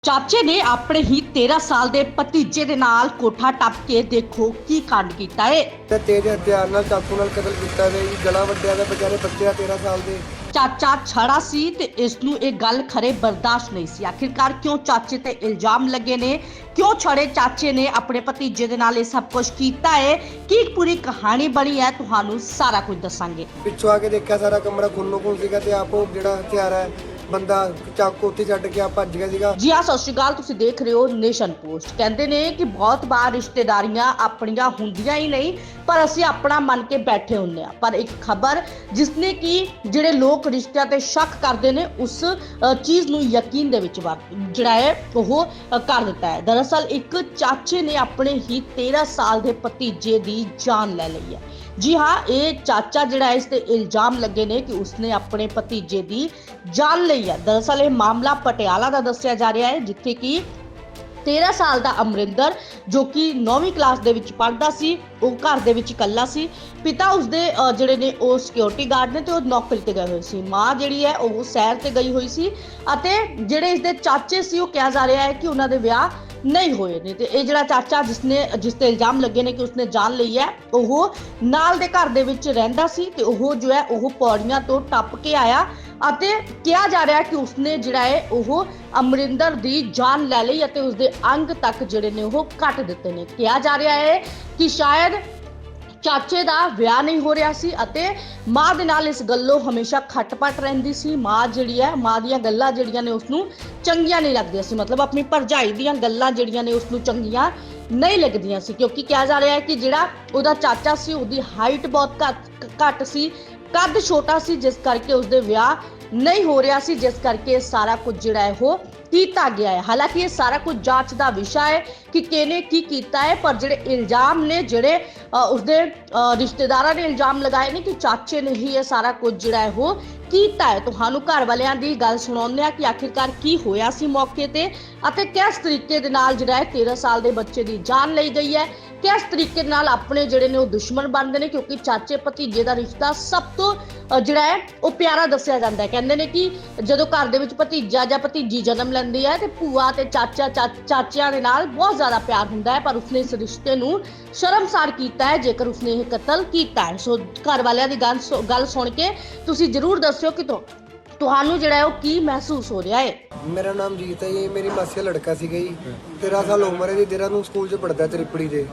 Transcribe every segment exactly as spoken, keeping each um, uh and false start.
ਚਾਚੇ ਨੇ ਆਪਣੇ ਹੀ ਤੇਰਾਂ ਸਾਲ ਦੇ ਭਤੀਜੇ ਦੇ ਨਾਲ ਕੋਠਾ ਟੱਪ ਕੇ ਦੇਖੋ ਕੀ ਕਾਂਡ ਕੀਤਾ ਏ। ਤੇ ਤੇਜ਼ ਹਥਿਆਰ ਨਾਲ ਚਾਕੂ ਨਾਲ ਕਤਲ ਕੀਤਾ ਗਿਆ ਜੀ। ਗਲਾ ਵੱਢਿਆ ਗਿਆ ਵਿਚਾਰੇ ਬੱਚੇ ਆ ਤੇਰਾਂ ਸਾਲ ਦੇ। ਚਾਚਾ ਛੜਾ ਸੀ ਤੇ ਇਸ ਨੂੰ ਇਹ ਗੱਲ ਖਰੇ ਬਰਦਾਸ਼ਤ ਨਹੀਂ ਸੀ। ਆਖਿਰਕਾਰ ਕਿਉਂ ਚਾਚੇ ਤੇ ਇਲਜ਼ਾਮ ਲੱਗੇ ਨੇ, ਕਿਉਂ ਛੜੇ ਚਾਚੇ ਨੇ ਆਪਣੇ ਭਤੀਜੇ ਦੇ ਨਾਲ ਇਹ ਸਭ ਕੁਝ ਕੀਤਾ ਹੈ, ਕੀ ਪੂਰੀ ਕਹਾਣੀ ਬਣੀ ਹੈ, ਤੁਹਾਨੂੰ ਸਾਰਾ ਕੁਝ ਦੱਸਾਂਗੇ। ਪਿੱਛੋਂ ਆ ਕੇ ਦੇਖਿਆ ਸਾਰਾ ਕਮਰਾ ਖੂਨੋ ਖੂਨ ਸੀਗਾ ਤੇ ਆਪ ਉਹ ਜਿਹੜਾ ਹਥਿਆਰ ਹੈ ਬੰਦਾ ਚਾਕੂ ਉੱਥੇ ਛੱਡ ਕੇ ਆ ਭੱਜ ਗਿਆ ਸੀਗਾ। ਜੀ ਹਾਂ, ਸਤਿ ਸ਼੍ਰੀ ਅਕਾਲ, ਤੁਸੀਂ ਦੇਖ ਰਹੇ ਹੋ ਨੇਸ਼ਨ ਪੋਸਟ। ਕਹਿੰਦੇ ਨੇ ਕਿ ਬਹੁਤ ਵਾਰ ਰਿਸ਼ਤੇਦਾਰੀਆਂ ਆਪਣੀਆਂ ਹੁੰਦੀਆਂ ਹੀ ਨਹੀਂ, ਪਰ ਅਸੀਂ ਆਪਣਾ ਮੰਨ ਕੇ ਬੈਠੇ ਹੁੰਦੇ ਆ। ਪਰ ਇੱਕ ਖਬਰ ਜਿਸਨੇ ਕਿ ਜਿਹੜੇ ਲੋਕ ਰਿਸ਼ਤਿਆਂ ਤੇ ਸ਼ੱਕ ਕਰਦੇ ਨੇ ਉਸ ਚੀਜ਼ ਨੂੰ ਯਕੀਨ ਦੇ ਵਿੱਚ ਜਿਹੜਾ ਹੈ ਉਹ ਕਰ ਦਿੱਤਾ ਹੈ। ਦਰਅਸਲ ਇੱਕ ਚਾਚੇ ਨੇ ਆਪਣੇ ਹੀ ਤੇਰਾਂ ਸਾਲ ਦੇ ਭਤੀਜੇ ਦੀ ਜਾਨ ਲੈ ਲਈ ਹੈ। ਜੀ ਹਾਂ, ਇਹ ਚਾਚਾ ਜਿਹੜਾ ਇਸ ਤੇ ਇਲਜ਼ਾਮ ਲੱਗੇ ਨੇ ਕਿ ਉਸਨੇ ਆਪਣੇ ਭਤੀਜੇ ਦੀ ਜਾਨ ਲਈ ਹੈ। ਦਰਅਸਲ ਇਹ ਮਾਮਲਾ ਪਟਿਆਲਾ ਦਾ ਦੱਸਿਆ ਜਾ ਰਿਹਾ ਹੈ, ਜਿੱਥੇ ਕਿ ਤੇਰਾਂ ਸਾਲ ਦਾ ਅਮਰਿੰਦਰ ਜੋ ਕਿ ਨੌਵੀਂ ਕਲਾਸ ਦੇ ਵਿੱਚ ਪੜ੍ਹਦਾ ਸੀ, ਉਹ ਘਰ ਦੇ ਵਿੱਚ ਇਕੱਲਾ ਸੀ। ਪਿਤਾ ਉਸਦੇ ਜਿਹੜੇ ਨੇ ਉਹ ਸਿਕਿਉਰਿਟੀ ਗਾਰਡ ਨੇ ਤੇ ਉਹ ਨੌਕਰੀ ਤੇ ਗਏ ਹੋਏ ਸੀ। ਮਾਂ ਜਿਹੜੀ ਹੈ ਉਹ ਸੈਰ ਤੇ ਗਈ ਹੋਈ ਸੀ ਅਤੇ ਜਿਹੜੇ ਇਸਦੇ ਚਾਚੇ ਸੀ ਉਹ ਕਿਹਾ ਜਾ ਰਿਹਾ ਹੈ ਕਿ ਉਹਨਾਂ ਦੇ ਵਿਆਹ ਨਹੀਂ ਹੋਏ ਨੇ। ਤੇ ਇਹ ਜਿਹੜਾ ਚਾਚਾ ਜਿਸਨੇ ਜਿਸ ਤੇ ਇਲਜ਼ਾਮ ਲੱਗੇ ਨੇ ਕਿ ਉਸਨੇ ਜਾਨ ਲਈ ਹੈ, ਉਹ ਨਾਲ ਦੇ ਘਰ ਦੇ ਵਿੱਚ ਰਹਿੰਦਾ ਸੀ ਤੇ ਉਹ ਜੋ ਹੈ ਉਹ ਪੌੜੀਆਂ ਤੋਂ ਟੱਪ ਕੇ ਆਇਆ ਅਤੇ ਕਿਹਾ ਜਾ ਰਿਹਾ ਕਿ ਉਸਨੇ ਜਿਹੜਾ ਹੈ ਉਹ ਅਮਰਿੰਦਰ ਦੀ ਜਾਨ ਲੈ ਲਈ ਅਤੇ ਉਸਦੇ ਅੰਗ ਤੱਕ ਜਿਹੜੇ ਨੇ ਉਹ ਕੱਟ ਦਿੱਤੇ ਨੇ। ਕਿਹਾ ਜਾ ਰਿਹਾ ਹੈ ਕਿ ਸ਼ਾਇਦ ਚਾਚੇ ਦਾ ਵਿਆਹ ਨਹੀਂ ਹੋ ਰਿਹਾ ਸੀ ਅਤੇ ਮਾਂ ਦੇ ਨਾਲ ਇਸ ਗੱਲੋਂ ਹਮੇਸ਼ਾ ਖਟਪਟ ਰਹਿੰਦੀ ਸੀ। ਮਾਂ ਜਿਹੜੀ ਹੈ, ਮਾਂ ਦੀਆਂ ਗੱਲਾਂ ਜਿਹੜੀਆਂ ਨੇ ਉਸਨੂੰ ਚੰਗੀਆਂ ਨਹੀਂ ਲੱਗਦੀਆਂ ਸੀ, ਮਤਲਬ ਆਪਣੀ ਭਰਜਾਈ ਦੀਆਂ ਗੱਲਾਂ ਜਿਹੜੀਆਂ ਨੇ ਉਸਨੂੰ ਚੰਗੀਆਂ ਨਹੀਂ ਲੱਗਦੀਆਂ ਸੀ, ਕਿਉਂਕਿ ਕਿਹਾ ਜਾ ਰਿਹਾ ਹੈ ਕਿ ਜਿਹੜਾ ਉਹਦਾ ਚਾਚਾ ਸੀ ਉਹਦੀ ਹਾਈਟ ਬਹੁਤ ਘੱਟ ਘੱਟ ਸੀ, ਕੱਦ ਛੋਟਾ ਸੀ, ਜਿਸ ਕਰਕੇ ਉਸਦੇ ਵਿਆਹ ਨਹੀਂ ਹੋ ਰਿਹਾ ਸੀ, ਜਿਸ ਕਰਕੇ ਸਾਰਾ ਕੁਝ ਜਿਹੜਾ ਹੈ ਉਹ ਕੀਤਾ ਗਿਆ ਹੈ। ਹਾਲਾਂਕਿ ਇਹ ਸਾਰਾ ਕੁਝ ਜਾਂਚ ਦਾ ਵਿਸ਼ਾ ਹੈ ਕਿ ਕਿਹਨੇ ਕੀ ਕੀਤਾ ਹੈ, ਪਰ ਜਿਹੜੇ ਇਲਜ਼ਾਮ ਨੇ, ਜਿਹੜੇ ਉਸਦੇ ਰਿਸ਼ਤੇਦਾਰਾਂ ਨੇ ਇਲਜ਼ਾਮ ਲਗਾਏ ਨੇ ਕਿ ਚਾਚੇ ਨੇ ਹੀ ਇਹ ਸਾਰਾ ਕੁਝ ਜਿਹੜਾ ਹੈ ਉਹ ਕੀਤਾ ਹੈ। ਤੁਹਾਨੂੰ ਘਰ ਵਾਲਿਆਂ ਦੀ ਗੱਲ ਸੁਣਾਉਂਦੇ ਆ ਕਿ ਆਖਿਰਕਾਰ ਕੀ ਹੋਇਆ ਸੀ ਮੌਕੇ ਤੇ ਅਤੇ ਕਿਸ ਤਰੀਕੇ ਦੇ ਨਾਲ ਜਿਹੜਾ ਹੈ ਤੇਰਾਂ ਸਾਲ ਦੇ ਬੱਚੇ ਦੀ ਜਾਨ ਲਈ ਗਈ ਹੈ, ਕਿਸ ਤਰੀਕੇ ਨਾਲ ਆਪਣੇ ਜਿਹੜੇ ਨੇ ਉਹ ਦੁਸ਼ਮਣ ਬਣਦੇ ਨੇ, ਕਿਉਂਕਿ ਚਾਚੇ ਭਤੀਜੇ ਦਾ ਰਿਸ਼ਤਾ ਸਭ ਤੋਂ ਜਿਹੜਾ ਹੈ ਉਹ ਪਿਆਰਾ ਦੱਸਿਆ ਜਾਂਦਾ ਹੈ। ਕਹਿੰਦੇ ਨੇ ਕਿ ਜਦੋਂ ਘਰ ਦੇ ਵਿੱਚ ਭਤੀਜਾ ਜਾਂ ਭਤੀਜੀ ਜਨਮ ਲੈਂਦੀ ਹੈ ਤੇ ਭੂਆ ਤੇ ਚਾਚਾ ਚਾਚਿਆਂ ਦੇ ਨਾਲ ਬਹੁਤ ਜ਼ਿਆਦਾ ਪਿਆਰ ਹੁੰਦਾ ਹੈ, ਪਰ ਉਸਨੇ ਇਸ ਰਿਸ਼ਤੇ ਨੂੰ ਸ਼ਰਮਸਾਰ ਕੀਤਾ ਹੈ ਜੇਕਰ ਉਸਨੇ ਇਹ ਕਤਲ ਕੀਤਾ ਹੈ। ਸੋ ਘਰ ਵਾਲਿਆਂ ਦੀ ਗੱਲ ਗੱਲ ਸੁਣ ਕੇ ਤੁਸੀਂ ਜ਼ਰੂਰ ਦੱਸਿਓ ਕਿ ਤੁਹਾਨੂੰ ਜਿਹੜਾ ਹੈ ਉਹ ਕੀ ਮਹਿਸੂਸ ਹੋ ਰਿਹਾ ਹੈ। ਮੇਰਾ ਨਾਮ ਜੀਤ ਹੈ ਜੀ, ਮੇਰੀ ਮਾਸੀ ਦਾ ਲੜਕਾ ਸੀਗਾ ਜੀ, ਤੇਰਾਂ ਸਾਲ ਉਮਰ ਹੈ ਜੀ, ਦੇਹਰਾਦੂਨ ਸਕੂਲ 'ਚ ਪੜ੍ਹਦਾ ਤ੍ਰਿਪੜੀ ਦੇ।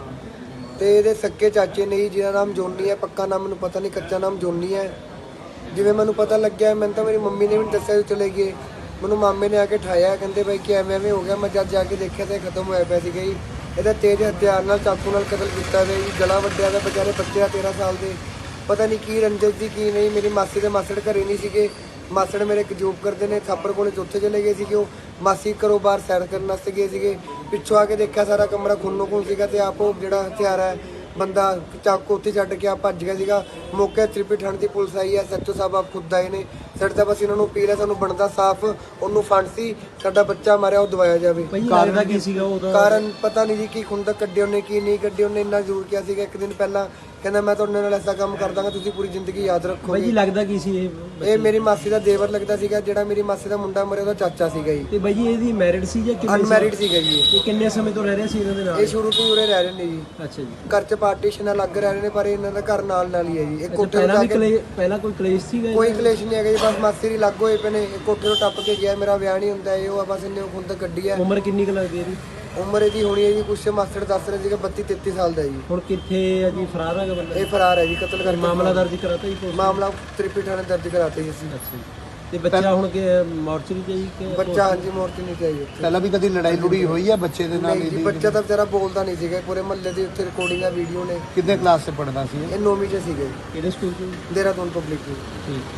ਤੇ ਇਹਦੇ ਸੱਕੇ ਚਾਚੇ ਨੇ ਜੀ, ਜਿਹਦਾ ਨਾਮ ਜੋਨੀ ਹੈ, ਪੱਕਾ ਨਾਮ ਮੈਨੂੰ ਪਤਾ ਨਹੀਂ, ਕੱਚਾ ਨਾਮ ਜੋਨੀ ਹੈ। ਜਿਵੇਂ ਮੈਨੂੰ ਪਤਾ ਲੱਗਿਆ, ਮੈਨੂੰ ਤਾਂ ਮੇਰੀ ਮੰਮੀ ਨੇ ਵੀ ਦੱਸਿਆ ਚਲੇ ਗਏ, ਮੈਨੂੰ ਮਾਮੇ ਨੇ ਆ ਕੇ ਠਾਇਆ, ਕਹਿੰਦੇ ਬਾਈ ਕਿ ਐਵੇਂ ਐਵੇਂ ਹੋ ਗਿਆ। ਮੈਂ ਜਦ ਜਾ ਕੇ ਦੇਖਿਆ ਤਾਂ ਖਤਮ ਹੋਇਆ ਪਿਆ ਸੀਗਾ ਜੀ। ਇਹਦਾ ਤੇਜ਼ ਹਥਿਆਰ ਨਾਲ ਚਾਕੂ ਨਾਲ ਕਤਲ ਕੀਤਾ ਗਿਆ ਜੀ। ਗਲਾ ਵੱਢਿਆ ਗਿਆ ਵਿਚਾਰੇ ਬੱਚੇ ਆ ਤੇਰਾਂ ਸਾਲ ਦੇ। ਪਤਾ ਨਹੀਂ ਕੀ ਰੰਜਿਸ਼ ਦੀ ਕੀ ਨਹੀਂ। ਮੇਰੀ ਮਾਸੀ ਦੇ ਮਾਸੜ ਘਰੇ ਨਹੀਂ ਸੀਗੇ, ਮਾਸੜ ਮੇਰੇ ਇੱਕ ਜੋਬ ਕਰਦੇ ਨੇ, ਥਾਪਰ ਕੋਲੇ ਚੌਥੇ ਚਲੇ ਗਏ ਸੀਗੇ। ਉਹ ਮਾਸੀ ਘਰੋਂ ਬਾਹਰ ਸੈਰ ਕਰਨ ਵਾਸਤੇ ਗਏ ਸੀਗੇ। ਪਿੱਛੋਂ ਆ ਕੇ ਦੇਖਿਆ ਸਾਰਾ ਕਮਰਾ ਖੂਨੋ ਖੂਨ ਸੀਗਾ ਤੇ ਆਪ ਉਹ ਜਿਹੜਾ ਹਥਿਆਰ ਹੈ ਬੰਦਾ ਚਾਕੂ ਉੱਥੇ ਛੱਡ ਕੇ ਆ ਭੱਜ ਗਿਆ ਸੀਗਾ। ਮੌਕੇ ਤ੍ਰਿਪੜੀ ਥਾਣੇ ਦੀ ਪੁਲਿਸ ਆਈ ਹੈ, ਸੱਚੋ ਸਾਹਿਬ ਆਪ ਖੁਦ ਆਏ ਨੇ। ਸਾਡੇ ਤਾਂ ਬਸ ਇਹਨਾਂ ਨੂੰ ਅਪੀਲ ਹੈ, ਸਾਨੂੰ ਬਣਦਾ ਸਾਫ਼ ਉਹਨੂੰ ਫਾਂਸੀ, ਸਾਡਾ ਬੱਚਾ ਮਾਰਿਆ ਉਹ ਦਵਾਇਆ ਜਾਵੇ। ਕਾਰਨ ਕੀ ਸੀਗਾ ਉਹਦਾ? ਕਾਰਨ ਪਤਾ ਨਹੀਂ ਜੀ, ਕੀ ਖੁੰਦਕ ਕੱਢੀ ਉਹਨੇ ਕੀ ਨਹੀਂ ਕੱਢੀ ਉਹਨੇ। ਇੰਨਾ ਜ਼ਰੂਰ ਕਿਹਾ ਸੀਗਾ ਇੱਕ ਦਿਨ ਪਹਿਲਾਂ, ਕਹਿੰਦਾ ਮੈਂ ਤੁਹਾਡੇ ਨਾਲ ਐਸਾ ਕੰਮ ਕਰ ਦਾਂਗਾ ਤੁਸੀਂ ਪੂਰੀ ਜ਼ਿੰਦਗੀ ਯਾਦ ਰੱਖੋਗੇ। ਬਾਈ ਜੀ ਲੱਗਦਾ ਕੀ ਸੀ ਇਹ? ਇਹ ਮੇਰੀ ਮਾਸੀ ਦਾ ਦੇਵਰ ਲੱਗਦਾ ਸੀਗਾ। ਜਿਹੜਾ ਮੇਰੀ ਮਾਸੀ ਦਾ ਮੁੰਡਾ ਮਰਿਆ ਉਹਦਾ ਚਾਚਾ ਸੀਗਾ ਜੀ। ਤੇ ਬਾਈ ਜੀ ਇਹਦੀ ਮੈਰਿਡ ਸੀ ਜਾਂ ਕਿਵੇਂ? ਅਨਮੈਰਿਡ ਸੀਗਾ ਜੀ। ਇਹ ਕਿੰਨੇ ਸਮੇਂ ਤੋਂ ਰਹਿ ਰਿਹਾ ਸੀ ਇਹਨਾਂ ਦੇ ਨਾਲ? ਇਹ ਸ਼ੁਰੂ ਤੋਂ ਹੀ ਉਰੇ ਰਹਿ ਰਹੇ ਨੇ ਜੀ। ਅੱਛਾ ਜੀ। ਘਰ 'ਚ ਪਾਰਟੀਸ਼ਨ ਅਲੱਗ ਰਹਿ ਰਹੇ ਨੇ, ਪਰ ਇਹਨਾਂ ਦਾ ਘਰ ਨਾਲ ਨਾਲ ਹੀ ਹੈ ਜੀ। ਇਹ ਕੋਠੇ ਪਹਿਲਾਂ ਤੋਂ ਵੀ ਕਲੇ ਪਹਿਲਾਂ ਕੋਈ ਕਲੇਸ਼ ਸੀਗਾ? ਕੋਈ ਕਲੇਸ਼ ਨਹੀਂ ਹੈਗਾ ਜੀ, ਬਸ ਮਾਸੀ ਦੀ ਲੱਗ ਹੋਏ ਪਏ ਨੇ। ਇਹ ਕੋਠੇ ਤੋਂ ਟੱਪ ਕੇ ਗਿਆ, ਮੇਰਾ ਵਿਆਹ ਨਹੀਂ ਹੁੰਦਾ, ਇਹ ਉਹ ਬਸ ਇਹਨੇ ਖੁੰਦ ਕੱਢੀ ਹੈ। ਉਮਰ ਕਿੰਨੀ ਕੁ ਲੱਗਦੀ ਹੈ ਇਹਦੀ? ਉਮਰ ਇਹਦੀ ਹੋਣੀ ਹੈ ਜੀ, ਕੁਛ ਮਾਸਟਰ ਦੱਸ ਰਹੇ ਸੀਗਾ ਬੱਤੀ ਤੇਤੀ ਸਾਲ ਦਾ ਜੀ। ਹੁਣ ਕਿੱਥੇ ਹੈ ਜੀ? ਫਰਾਰ ਹੈਗਾ ਬੰਦਾ? ਇਹ ਫਰਾਰ ਹੈ ਜੀ, ਕਤਲ ਕਰਕੇ। ਮਾਮਲਾ ਦਰਜ ਕਰਾਤਾ ਜੀ? ਮਾਮਲਾ ਤ੍ਰਿਪੜੀ ਥਾਣੇ ਦਰਜ ਕਰਾਤਾ ਜੀ ਅਸੀਂ। ਅੱਛਾ ਜੀ। ਤੇ ਬੱਚਾ ਹੁਣ ਕਿ ਮੋਰਚਰੀ ਚ ਜੀ ਕਿ? ਬੱਚਾ ਹਾਂਜੀ ਮੋਰਚੀ ਨਹੀਂ ਚਾਹੀਏ। ਪਹਿਲਾਂ ਵੀ ਕਦੀ ਲੜਾਈ ਲੁੜੀ ਹੋਈ ਹੈ ਬੱਚੇ ਦੇ ਨਾਲ? ਨਹੀਂ ਜੀ, ਬੱਚਾ ਤਾਂ ਵਿਚਾਰਾ ਬੋਲਦਾ ਨਹੀਂ ਸੀਗਾ। ਪੂਰੇ ਮਹੱਲੇ ਦੀ ਉੱਥੇ ਰਿਕਾਰਡਿੰਗਾਂ ਵੀਡੀਓ ਨੇ। ਕਿੰਨੇ ਕਲਾਸ 'ਚ ਪੜ੍ਹਦਾ ਸੀ? ਇਹ ਨੌਵੀਂ 'ਚ ਸੀਗੇ, ਕਿਹੜੇ ਸਕੂਲ ਚ? ਦੇਹਰਾਦੂਨ ਪਬਲਿਕ ਚ। ਠੀਕ।